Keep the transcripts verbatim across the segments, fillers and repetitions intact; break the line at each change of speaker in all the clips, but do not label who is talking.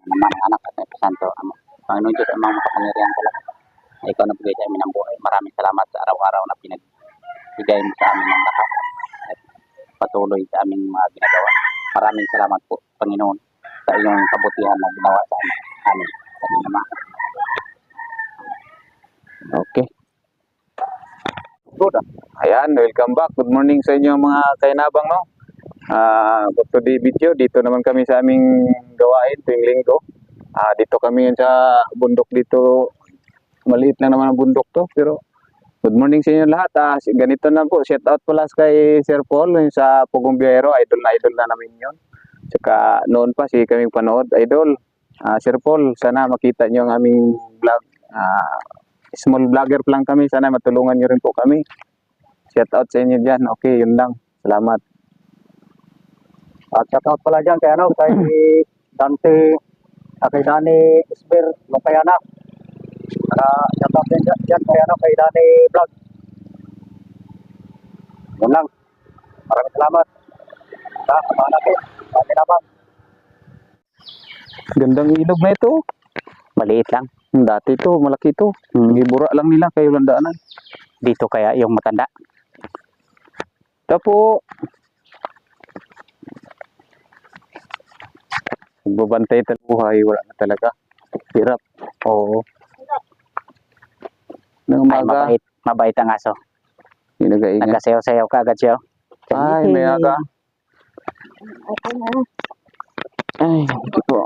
naman ang anak at Espiritu Santo. Amo. Panginoon Diyos, amang makapangyarihan talaga. Na ikaw na bigay sa amin ng buhay. Maraming salamat sa araw-araw na pinagbigay mo sa amin ng lakas at patuloy sa aming mga ginagawa. Maraming salamat po, Panginoon, sa iyong kabutihan na ginawa sa amin. Amin. Sa aming Ama.
Okay.
Good.
Ayan, welcome back. Good morning sa inyo mga kainabang, no? Ah, uh, to the video, dito naman kami sa aming gawain tuwing linggo. Ah, uh, dito kami sa bundok dito. Maliit lang naman ang bundok to, pero good morning sa inyo lahat. Ah, ganito na po, shout out pala kay Sir Paul yung sa Pugong Biyahero, idol na idol na namin 'yon. Saka noon pa si kaming panood, idol. Ah, Sir Paul, sana makita niyo ang aming vlog. Ah, small vlogger lang kami, sana matulungan niyo rin po kami. Shout out sa inyo diyan. Okay, yun lang. Salamat.
At shout out pala dyan kay ano, kay Dante, uh, kay Dani Isber Lopayana. Uh, shout out din dyan, dyan kay ano, kay Dani Vlog. Yun lang. Maraming salamat. Sa mga natin, Dani naman.
Gandang ilog na ito.
Maliit lang.
Dati ito, malaki ito. Hmm. Gibura lang nila kayo landaanan.
Dito kaya yung matanda.
Tapo. Magbabantay talaga buhay, wala na talaga. Hirap. Oo. Nang
Ay, mabait. Mabait ang aso.
Ginagaingat.
Nagkasayaw-sayaw ka agad siya.
Ay, may aga. Ay, ito po.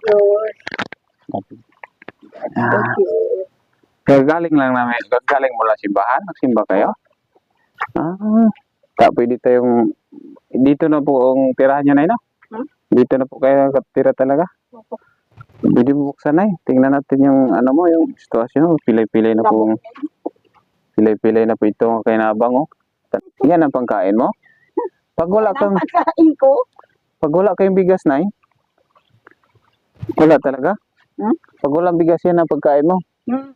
Ah, gagaling lang namin. Gagaling mula simbahan. Nagsimba kayo? Ah, ta pwede tayong dito na po ang tirahan nyo na yun, no? Hmm? Dito na po kayo katira talaga? Opo. Pwede mo buksan na eh. Tingnan natin yung ano mo, yung sitwasyon. Pilay-pilay na po. Pilay-pilay na po ito ang kainabang, oh. Yan ang pangkain mo? Pag wala kang
pagkain ko.
Pag wala kayong bigas na eh. Wala talaga?
Hmm?
Pag walang bigas yan ang pagkain mo.
Hmm.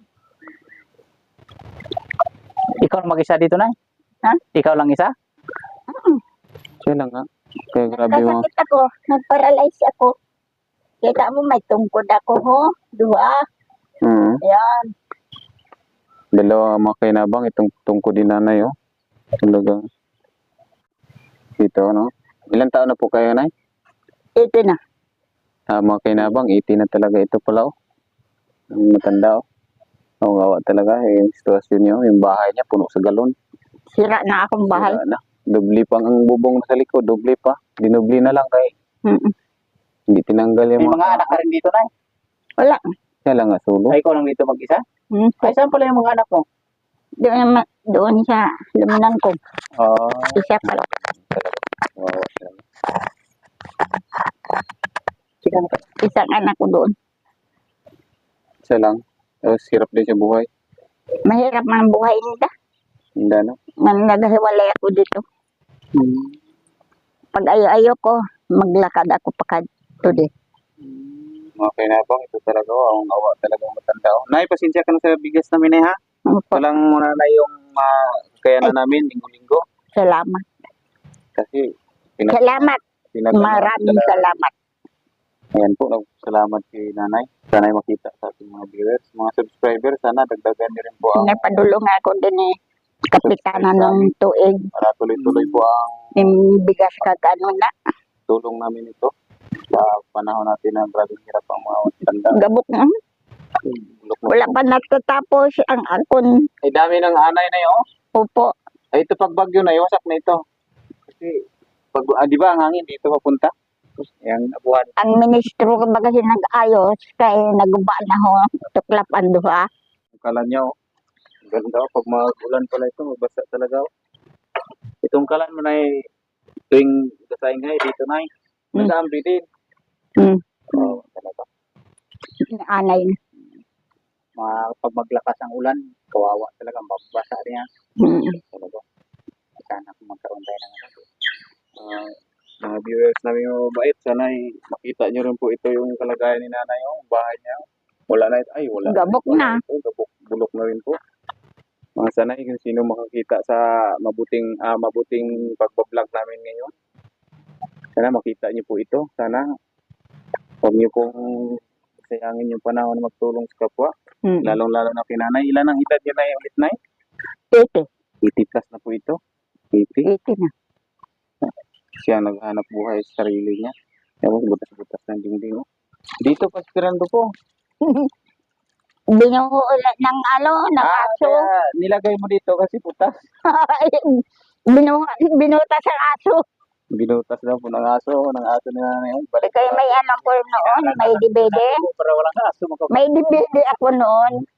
Ikaw lang mag-isa dito na?
Ha?
Ikaw lang isa?
Hmm.
Siya lang nga. Kaya grabe mo.
Nagkasakit ako. Nag-paralyze ako. Kita mo may tungkod ako, ho? Dua.
Hmm.
Yan.
Dalawa mga kainabang itong tungkod din nanay, oh. Talagang dito, no? Ilang taon na po kayo, nay?
Ito na.
Ah, mga kainabang, eighty na talaga ito pala, oh. Ang matanda, oh. Ang gawa talaga, eh, yung sitwasyon niyo, yung bahay niya, puno sa galon.
Sira na akong bahay.
Sira na. Dubli pang ang bubong sa likod, dubli pa. Dinubli na lang kay.
Mm -mm.
Hindi tinanggal yung
May mga anak ka rin dito, nay?
Wala.
Siya lang nga, solo.
Ay, ikaw lang dito mag-isa?
Hmm.
Ay, saan pala yung mga anak mo?
Doon, naman- doon sa luminan ko.
Ah,
Isa pa lang.
wow, talaga.
Isang anak ko doon.
Siya lang. Tapos hirap din sa buhay.
Mahirap man ang buhay nila.
Hindi na.
Man naghiwalay ako dito.
Hmm.
Pag ayo-ayo ko, maglakad ako pa today.
Mga kainabang, ito talaga, oh, ang awa talaga ang matanda, oh. Nay, pasensya ka na sa bigas namin, eh, ha? Ito lang muna na yung uh, kakayanan namin, linggo-linggo.
Salamat.
Kasi, pinag-
Salamat.
pinag-
Maraming salamat.
Ayan po, salamat kay nanay. Sana'y makita sa ating mga viewers. Mga subscribers, sana dagdagan niyo rin po ang
Pinapadulong ako din eh. Kapitanan ng tuig.
para tuloy-tuloy po ang
Yung bigas kagano na.
tulong namin ito sa panahon natin na grabing hirap ang mga tanda.
Gabok na.
Bulok na
Wala
po.
pa natatapos ang akon.
Ay, dami ng anay na yun.
Upo.
Ay, ito pag bagyo na, iwasak na ito. Kasi, pag, ah, di ba ang hangin dito papunta? Yang abuhan.
Ang ministro ko baga nag-ayos kay naguba na ho. Tuklap ang duha.
Kala nyo, ganda, pag mag-ulan pala ito, magbasa talaga. Itong kalan mo na eh, tuwing kasaing ngay, dito na eh.
Hmm.
Nag-aambi din.
Hmm.
Oo, talaga.
Anay na.
Ma pag maglakas ang ulan, kawawa talaga, mababasa rin yan.
Hmm.
Talaga. Sana kung magkaroon tayo ng ano.
Ah, mga viewers namin mga mabait, sana eh, makita nyo rin po ito yung kalagayan ni nanay, oh, bahay niya. Oh. Wala na ito, ay wala
Gabok
wala
na.
ito, gabok, bulok na rin po. Mga sana kung sino makakita sa mabuting ah, mabuting pagbablog namin ngayon. Sana makita niyo po ito. Sana huwag niyo pong sayangin yung panahon na magtulong sa kapwa.
Mm.
Lalong-lalo na kinanay. Ilan ang edad niya na ulit na
eighty.
eighty plus na po ito. eighty.
eighty na.
Siya naghanap buhay sa sarili niya. Tapos butas-butas ng dingding. oh. Dito pa Pirando po.
Binuhulat ng ano, ng aso.
kaya nilagay mo dito kasi putas.
Binu binutas ang aso.
Binutas daw po ng aso. Ng aso na yan. Balik
Kaya may ano ko noon, may dibede.
para walang aso makapag.
May dibede ako noon.